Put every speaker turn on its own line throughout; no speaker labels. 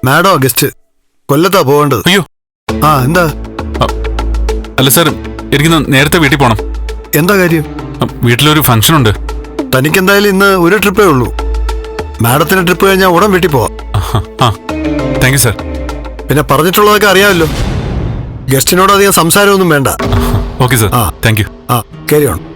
മാഡോ guest കൊല്ലത്താ പോകേണ്ടത്.
അയ്യോ
ആ എന്താ?
അല്ല സാർ, എനിക്ക് നേരത്തെ വീട്ടിൽ പോണം.
എന്താ കാര്യം?
വീട്ടിലൊരു ഫംഗ്ഷൻ ഉണ്ട്.
തനിക്കെന്തായാലും ഇന്ന് ഒരു ട്രിപ്പേ ഉള്ളൂ. മാഡത്തിന് ട്രിപ്പ് കഴിഞ്ഞാൽ ഉടൻ വീട്ടിൽ പോവാം.
ആ താങ്ക് യു സാർ.
പിന്നെ പറഞ്ഞിട്ടുള്ളതൊക്കെ അറിയാമല്ലോ. ഗസ്റ്റിനോട് അധികം സംസാരമൊന്നും വേണ്ട.
Okay sir. Thank you.
ആ ക്യാരി ഓൺ.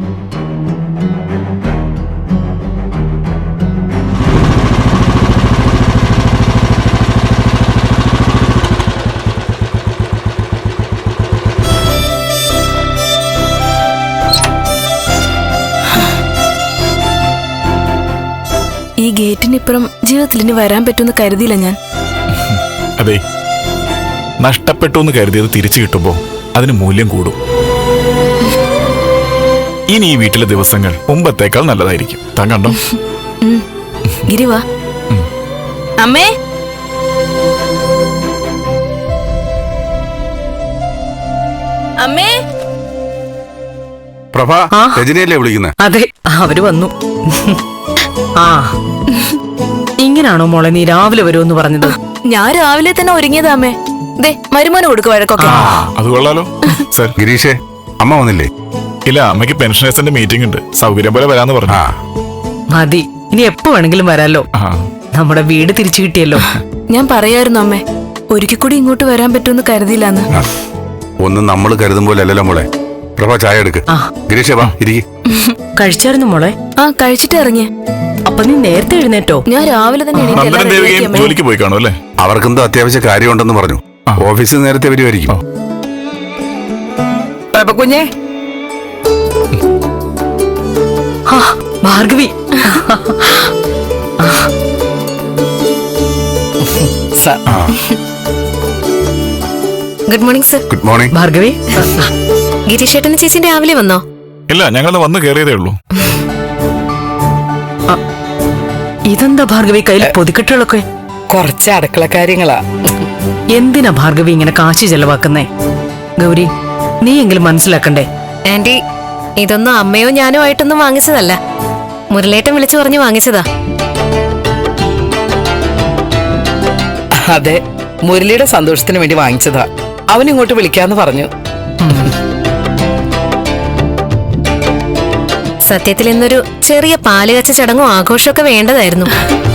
ഈ ഗേറ്റിനിപ്പുറം ജീവിതത്തിൽ ഇനി വരാൻ പറ്റുമെന്ന് കരുതിയില്ല ഞാൻ.
അതെ, നഷ്ടപ്പെട്ടു എന്ന് കരുതിയത് തിരിച്ചു കിട്ടുമ്പോ അതിന് മൂല്യം കൂടും. ഇനി ഈ വീട്ടിലെ ദിവസങ്ങൾ മുമ്പത്തേക്കാൾ നല്ലതായിരിക്കും. താൻ കണ്ടോ?
ഗിരി വാ. അമ്മേ, അമ്മേ.
പ്രഭ, രജനിയല്ലേ വിളിക്കുന്നത്?
അതെ, അവര് വന്നു. ആ, ഇങ്ങനാണോ മോളെ നീ രാവിലെ വരുമെന്ന് പറഞ്ഞത്?
ഞാൻ രാവിലെ തന്നെ ഒരുങ്ങിയതാ അമ്മേ. ദേ മരുമോനെ കൊടുക്കുക വഴക്കൊക്കെ.
അത് കൊള്ളാലോ. സർ,
ഗിരീഷേ, അമ്മ വന്നില്ലേ?
ഇല്ല, അമ്മയ്ക്ക് പെൻഷനേഴ്സിന്റെ മീറ്റിംഗ് ഉണ്ട്. സൗകര്യം പോലെ വരാന്ന് പറഞ്ഞു.
മതി, ഇനി എപ്പോ വേണമെങ്കിലും വരാലോ. നമ്മുടെ വീട് തിരിച്ചു കിട്ടിയല്ലോ.
ഞാൻ പറയായിരുന്നു അമ്മേ, ഒരിക്കൽ കൂടി ഇങ്ങോട്ട് വരാൻ പറ്റുമെന്ന് കരുതിയില്ലാന്ന്.
ഒന്നും നമ്മൾ കരുതും പോലെ അല്ലല്ലോ മോളെ. പ്രഭ, ചായ എടുക്ക്. ഗിരീഷേ, വാ ഇരിക്ക്.
കഴിച്ചായിരുന്നു മോളെ?
ആ, കഴിച്ചിട്ട് ഇറങ്ങിയ.
അപ്പൊ നീ നേരത്തെ എഴുന്നേറ്റോ?
ഞാൻ രാവിലെ തന്നെ
ജോലിക്ക് പോയി കാണും അല്ലേ?
അവർക്കെന്തോ അത്യാവശ്യ കാര്യമുണ്ടെന്ന് പറഞ്ഞു. ഓഫീസിൽ നേരത്തെ വരുമായിരിക്കും.
കുഞ്ഞേ, Bhargavi.
Good morning sir.
Good morning.
Bhargavi,
ഗിരീഷേട്ടന് ചേച്ചി രാവിലെ വന്നോ?
ഇല്ല, ഞങ്ങളൊന്ന് വന്ന് കയറിയതേ ഉള്ളൂ.
ഇതെന്താ ഭാർഗവി കയ്യിൽ പൊതിക്കെട്ടുകളൊക്കെ?
കുറച്ച് അടുക്കള കാര്യങ്ങളാ.
എന്തിനാ ഭാർഗവി ഇങ്ങനെ കാശ് ചെലവാക്കുന്നേ? ഗൗരി, നീ എങ്കിലും മനസ്സിലാക്കണ്ടേ?
ആന്റി, ഇതൊന്നും അമ്മയോ ഞാനോ ആയിട്ടൊന്നും വാങ്ങിച്ചതല്ല. മുരളേട്ടൻ വിളിച്ചു പറഞ്ഞു വാങ്ങിച്ചതാ.
അതെ, മുരളിയുടെ സന്തോഷത്തിന് വേണ്ടി വാങ്ങിച്ചതാ. അവൻ ഇങ്ങോട്ട് വിളിക്കാന്ന് പറഞ്ഞു.
സത്യത്തിൽ ഇന്നൊരു ചെറിയ പാലുകച്ച ചടങ്ങും ആഘോഷമൊക്കെ വേണ്ടതായിരുന്നു.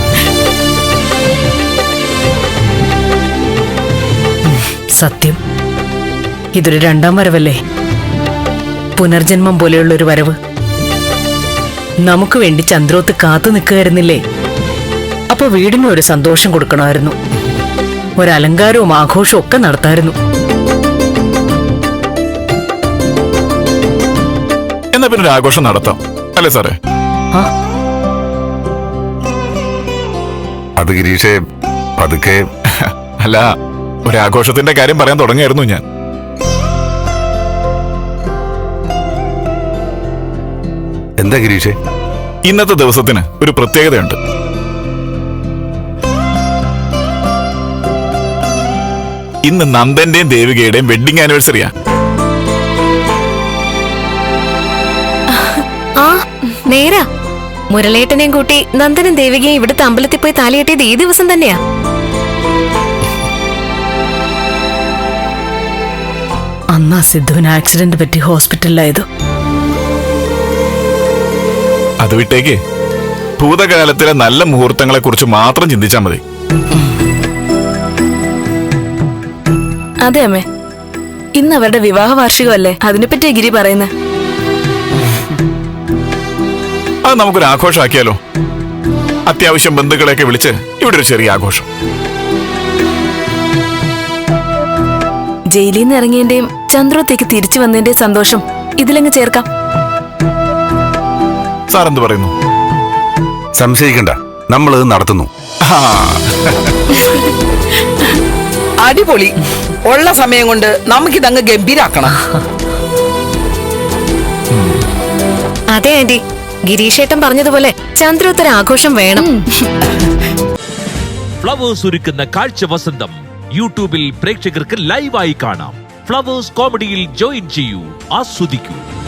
സത്യം, ഇതൊരു രണ്ടാം വരവല്ലേ? പുനർജന്മം പോലെയുള്ള ഒരു വരവ്. നമുക്ക് വേണ്ടി ചന്ദ്രോത്ത് കാത്തു നിൽക്കുകയായിരുന്നില്ലേ? അപ്പൊ വീടിന് ഒരു സന്തോഷം കൊടുക്കണമായിരുന്നു. ഒരലങ്കാരവും ആഘോഷവും ഒക്കെ നടത്തായിരുന്നു.
എന്നാ പിന്നെ ഒരു ആഘോഷം നടത്താം അല്ലേ സാറേ?
അത് ഗിരീഷേ, പതുക്കെ.
അല്ല, ഒരാഘോഷത്തിന്റെ കാര്യം പറയാൻ തുടങ്ങിയായിരുന്നു ഞാൻ.
എന്താ ഗിരീഷേ?
ഇന്നത്തെ ദിവസത്തിന് ഒരു പ്രത്യേകതയുണ്ട്. ഇന്ന് നന്ദന്റെയും ദേവികയുടെയും വെഡിങ് ആനിവേഴ്സറിയാ.
ആ നേരാ, മുരളേട്ടനെയും കൂട്ടി നന്ദനും ദേവികയും ഇവിടുത്തെ അമ്പലത്തിൽ പോയി താലികെട്ടിയത് ഈ ദിവസം തന്നെയാ.
അന്നാ സിദ്ധുവിന് ആക്സിഡന്റ് പറ്റി ഹോസ്പിറ്റലിലായത്.
അത് വിട്ടേക്ക്, ഭൂതകാലത്തിലെ നല്ല മുഹൂർത്തങ്ങളെ കുറിച്ച് മാത്രം ചിന്തിച്ചാൽ മതി.
അതെ അമ്മേ, ഇന്ന് അവരുടെ വിവാഹ വാർഷികമല്ലേ, അതിനെപ്പറ്റിയാ ഗിരി പറയുന്നത്.
അത് നമുക്കൊരു ആഘോഷമാക്കിയാലോ? അത്യാവശ്യം ബന്ധുക്കളെയൊക്കെ വിളിച്ച് ഇവിടെ ഒരു ചെറിയ ആഘോഷം.
ജയിലിൽ നിന്ന് ഇറങ്ങിയതിന്റെയും ചന്ദ്രോത്തേക്ക് തിരിച്ചു വന്നതിന്റെയും സന്തോഷം ഇതിലങ്ങ് ചേർക്കാം.
സാർ എന്ത് പറയുന്നു?
സംശയിക്കണ്ട, നമ്മളിത് നടത്തുന്നു.
അടിപൊളി. ഉള്ള സമയം കൊണ്ട് നമുക്കിതങ്ങ് ഗംഭീരാക്കണം.
അതെ ആന്റി, ഗിരീഷേട്ടൻ പറഞ്ഞതുപോലെ ചന്ദ്രോത്തര ആഘോഷം വേണം.
ഫ്ലവേഴ്സ് ഒരുക്കുന്ന കാഴ്ച വസന്തം യൂട്യൂബിൽ പ്രേക്ഷകർക്ക് ലൈവായി കാണാം. ഫ്ലവേഴ്സ് കോമഡിയിൽ ജോയിൻ ചെയ്യൂ, ആസ്വദിക്കൂ.